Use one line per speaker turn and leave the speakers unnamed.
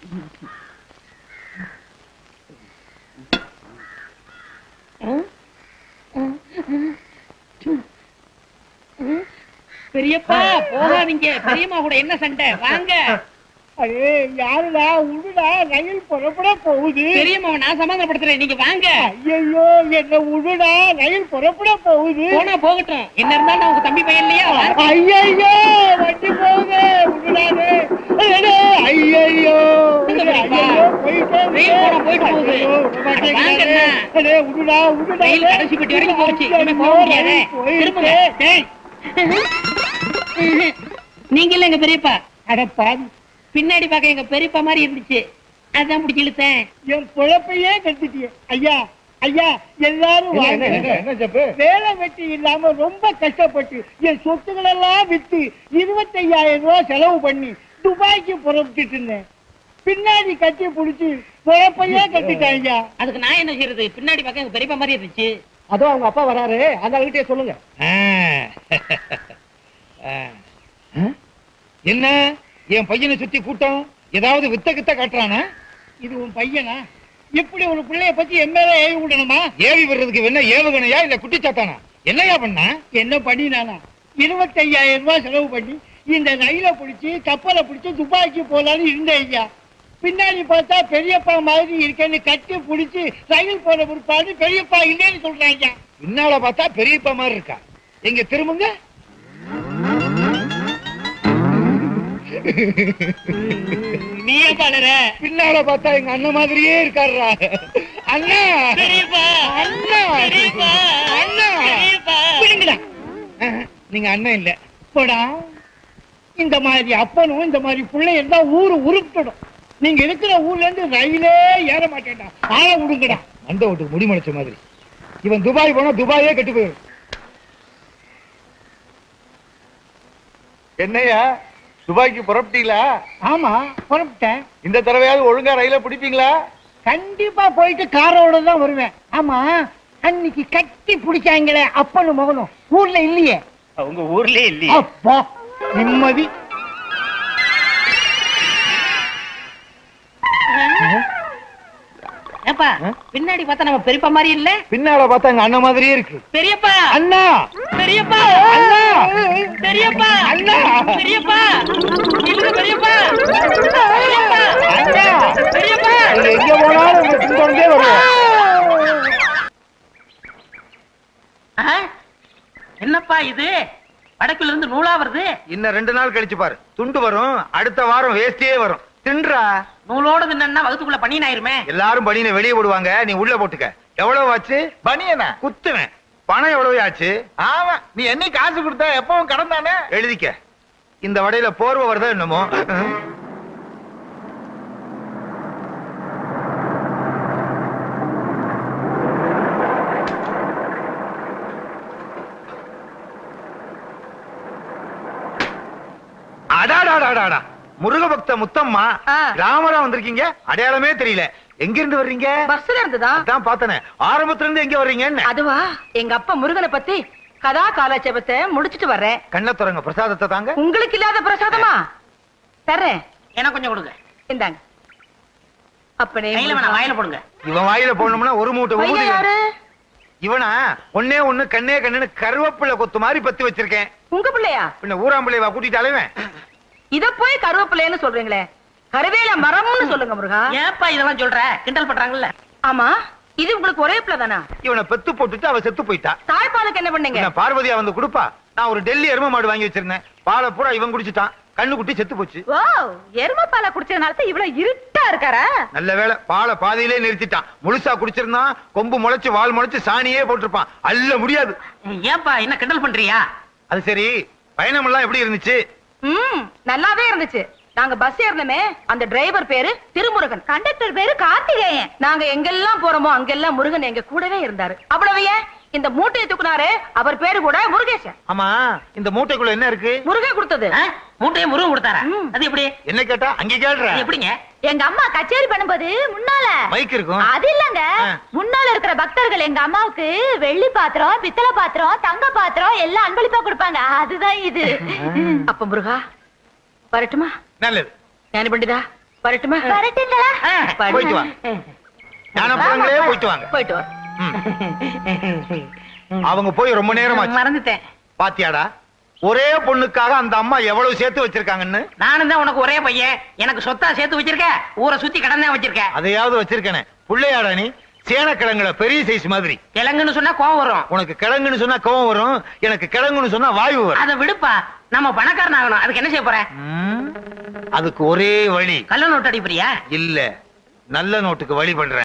பெரியப்பா போகாதீங்க, பெரியம்மா கூட என்ன சண்டை? வாங்க.
அடே யாருடா? உடுடா, ரயில் புறப்பட போகுது.
பெரியம்மாவை நான் சமாதானப்படுத்துறேன், நீங்க வாங்க.
ஐயோ என்ன உடுடா, ரயில் புறப்பட போகுது.
போனா போகட்டும், என்ன இருந்தாலும் நான் உங்க தம்பி பையன் இல்லையா?
ஐயோ வண்டி போகுது, உடுடானே. ஐயோ
போயிட்டு போகுது.
உடுடா உடுடா,
ரயில் கடைசி பெட்டி வரைக்கும் போச்சு, இனிமே போக முடியாது. திரும்புங்க. நீங்க இல்ல எங்க பெரியப்பா.
அடப்பா,
பின்னாடி பார்க்க எங்க பெரியப்பா மாதிரி இருந்துச்சு, அதான் பிடிச்சி இழுத்தேன்.
என் குழப்பையே கட்டிட்டிய. ஐயா ஐயா, எல்லாரும் வேலை வெட்டி இல்லாம ரொம்ப கஷ்டப்பட்டு என் சொத்துக்கள் எல்லாம் வித்து 25,000 ரூபாய் செலவு பண்ணி துபாய்க்கு புறப்பட்டு இருந்தேன். பின்னாடி கட்டி புடிச்சு குழப்பையே கட்டிட்டாங்க.
அதுக்கு நான் என்ன செய்யறது? பின்னாடி பார்க்க எங்க பெரியப்பா மாதிரி இருந்துச்சு.
அதோ அவங்க அப்பா வராரு, அந்த கிட்டே சொல்லுங்க.
என்ன என் பையனை சுத்தி கூட்டம் ஏதாவது வித்த கித்த காட்டுறானா?
இது உன் பையனா? இப்படி ஒரு பிள்ளைய பத்தி எம்எல்ஏ ஏவி விடணுமா?
ஏவி விடுறதுக்கு என்ன ஏவுகணையா இல்ல குட்டிச்சாத்தானா? என்னையா பண்ணா?
என்ன பண்ணினானா? 25,000 ரூபாய் செலவு பண்ணி இந்த ரயில பிடிச்சி கப்பலை பிடிச்சி துபாய்க்கு போலான்னு இருந்தேன் ஐயா. பின்னாடி பார்த்தா பெரியப்பா மாதிரி இருக்கேன்னு கட்டி பிடிச்சி ரயில் போன பிற்பாடு பெரியப்பா இல்லைன்னு சொல்றாங்க.
பின்னால பார்த்தா பெரியப்பா மாதிரி இருக்கா? எங்க திரும்புங்க.
நீ பாடுற.
பின்னால பார்த்தா எங்க அண்ணன் மாதிரியே இருக்காருடா. அண்ணா
பெரியப்பா,
அண்ணா
பெரியப்பா,
அண்ணா
பெரியப்பா.
விடுங்கடா.
நீங்க அண்ணன் இல்ல.
போடா, இந்த மாதிரி அப்பனும் இந்த மாதிரி பிள்ளை இருந்தா ஊரு உருப்பிடும். நீங்க இருக்கிற ஊர்ல இருந்து ரயிலே ஏற மாட்டேன்டா. ஆள விடுங்கடா.
அந்த வீட்டுக்கு முடி முளைச்ச மாதிரி. இவன் துபாய் போனா துபாயே கெட்டு போயிடும்.
என்னையா துபாய்க்கு புறப்பட்டீங்களா?
ஆமா புறப்பட்டேன்.
இந்த தடவையாவது ஒழுங்கா ரயில பிடிப்பீங்களா?
கண்டிப்பா போயிட்டு காரோட தான் வருவேன். ஆமா, அன்னைக்கு கட்டி பிடிச்சாங்களே அப்பனும் மகனும் ஊர்ல இல்லையே?
உங்க ஊர்லயே இல்லையே.
அப்பா நிம்மதி.
ஏப்பா, பின்னாடி பார்த்தா நம்ம பெரியப்பா மாதிரி இல்ல?
பின்னால பார்த்தா எங்க அண்ணன் மாதிரியே இருக்கு.
பெரியப்பா,
அண்ணா
பெரியப்பா,
அண்ணா
பெரியப்பா,
அண்ணா
பெரியப்பா, இல்ல பெரியப்பா, பெரியப்பா,
அண்ணா
பெரியப்பா.
நீங்க எங்க போனாலும் உங்க பின்தொடர்ந்தே வருவோம்.
என்னப்பா இது? வடக்குல இருந்து நூலா வருது.
இன்னும் 2 நாள் கழிச்சு பாரு, துண்டு வரும். அடுத்த வாரம் வேஸ்டியே வரும். தின்றா.
நூலோட தின்னா வகுத்துக்குள்ள பனியன் ஆயிருமே.
எல்லாரும் பனியனை வெளியே போடுவாங்க, நீ உள்ள போட்டுக்க. எவ்வளவு ஆச்சு? பனியனா குத்துவேன். பணம் எவ்வளவு ஆச்சு? ஆமா, நீ என்ன காசு கொடுத்தா எப்பவும் கடன் தானே. எழுதிக்க. இந்த வடையில போர்வை வருதா என்னமோ. அடாடாடாடா, முருக பக்த முத்தம்மா, ராமரா வந்திருக்கீங்க. அடையாளமே தெரியல. எங்க இருந்து வர்றீங்க?
பஸ்ல இருந்துதா?
அதான் பார்த்தனே. ஆரம்பத்துல இருந்து எங்க வர்றீங்க?
அதுவா, எங்க அப்பா முருகனை பத்தி கதா காலாட்சேபத்தை முடிச்சிட்டு வர்றேன்.
கண்ண துறங்க, பிரசாதத்தை தாங்க.
உங்களுக்கு இல்லாத பிரசாதமா? தர்றேன்.
எனக்கு கொஞ்சம் கொடுங்க.
இந்தாங்க. அப்பனே
கையில வேணாம், வாயில போடுங்க.
இவன் வாயில போடணும்னா ஒரு மூட்டை
பையன்
ஊதி.
யாரு?
இவனா? ஒன்னே ஒண்ணு கண்ணே கண்ணுன்னு கருவேப்பிள்ளை கொத்து மாதிரி பத்தி வச்சிருக்கேன்.
உங்க பிள்ளையா?
பின்ன ஊராம்பிள்ளைவா கூட்டிட்டு அலைவேன்.
இத போய் கருவேப்பிள்ளைன்னு சொல்றீங்களே, கருவேல மரம்னு சொல்லுங்க முருகா.
ஏப்பா இதெல்லாம் சொல்ற? கிண்டல் பண்றாங்கல்ல.
ஆமா, இது உங்களுக்கு ஒரே பிள்ளை தானா?
இவனை பெத்து போட்டுட்டு அவ செத்து போயிட்டா.
தாய்ப்பாலுக்கு என்ன பண்ணீங்க?
பின்ன பார்வதியா வந்து கொடுப்பா. நான் ஒரு டெல்லி எரும மாடு வாங்கி வச்சிருந்தேன். பாலை பூரா இவன் குடிச்சிட்டான். கண்ணு குட்டி செத்து போச்சு.
ஓ, எரும பாலை குடிச்சதுனால இவ்வளவு இருட்டா இருக்காரா?
நல்ல வேளை, பாலை பாதியிலே நிறுத்திட்டான். முழுசா குடிச்சிருந்தான், கொம்பு முளைச்சு வால் முளைச்சு சாணியே போட்டிருப்பான். அல்ல முடியாது.
ஏப்பா என்ன கிண்டல் பண்றியா?
அது சரி, பயணம் எல்லாம் எப்படி இருந்துச்சு?
நல்லாவே இருந்துச்சு. நாங்க பஸ் ஏறணுமே, அந்த டிரைவர் பேரு திருமுருகன், கண்டக்டர் பேரு கார்த்திகேயன். நாங்க எங்கெல்லாம் போறோமோ அங்கெல்லாம் முருகன் எங்க கூடவே இருந்தாரு. அவ்வளவு ஏன், இந்த மூட்டையை தூக்குனாரு, அவர் பேரு கூட முருகேசன்.
ஆமா, இந்த மூட்டைக்குள்ள என்ன இருக்கு?
முருகன் கொடுத்தது.
மூட்டையை முருகன் கொடுத்தாரா? அது எப்படி?
என்ன கேட்டா அங்க கேட்ற?
எப்படிங்க?
எங்க அம்மா கச்சேரி பண்ணும்போது முன்னால
மைக் இருக்கும்.
அது இல்லங்க, முன்னால இருக்கிற பக்தர்கள் எங்க அம்மாவுக்கு வெள்ளி பாத்திரம், பித்தளை பாத்திரம், தங்க பாத்திரம் எல்லாம் அன்பளிப்பா கொடுப்பாங்க. அதுதான் இது.
அப்ப முருகா வரட்டுமா?
நல்லது.
ஞானி பண்டிதா வரட்டுமா
வரட்டுங்களா?
போயிட்டு வாங்க. ஞானப்பழங்களே போயிட்டு வாங்க.
போயிட்டு வா.
அவங்க போய் ரொம்ப நேரம் ஆச்சு.
மறந்துட்டேன்.
பாத்தியாடா, ஒரே பொண்ணுக்காக அந்த அம்மா எவ்வளவு சேர்த்து வச்சிருக்காங்கன்னு.
நானும் தான் உனக்கு ஒரே பையன், எனக்கு சொத்தா சேர்த்து வச்சிருக்க, ஊரை சுத்தி கடன் தான் வச்சிருக்க.
அதையாவது வச்சிருக்கனே. புள்ளையாடா நீ? சேனக்கிழங்குல பெரிய சைஸ் மாதிரி.
கிழங்குன்னு சொன்னா கோவம் வரும்.
உனக்கு கிழங்குன்னு சொன்னா கோவம் வரும், எனக்கு கிழங்குன்னு சொன்னா வாயு வரும்.
அதை விடுப்பா, நம்ம பணக்காரன் ஆகணும். அதுக்கு என்ன செய்ய போற?
அதுக்கு ஒரே வழி.
கள்ள நோட்டு அடிப்பறியா?
இல்ல, நல்ல நோட்டுக்கு வழி பண்றேன்.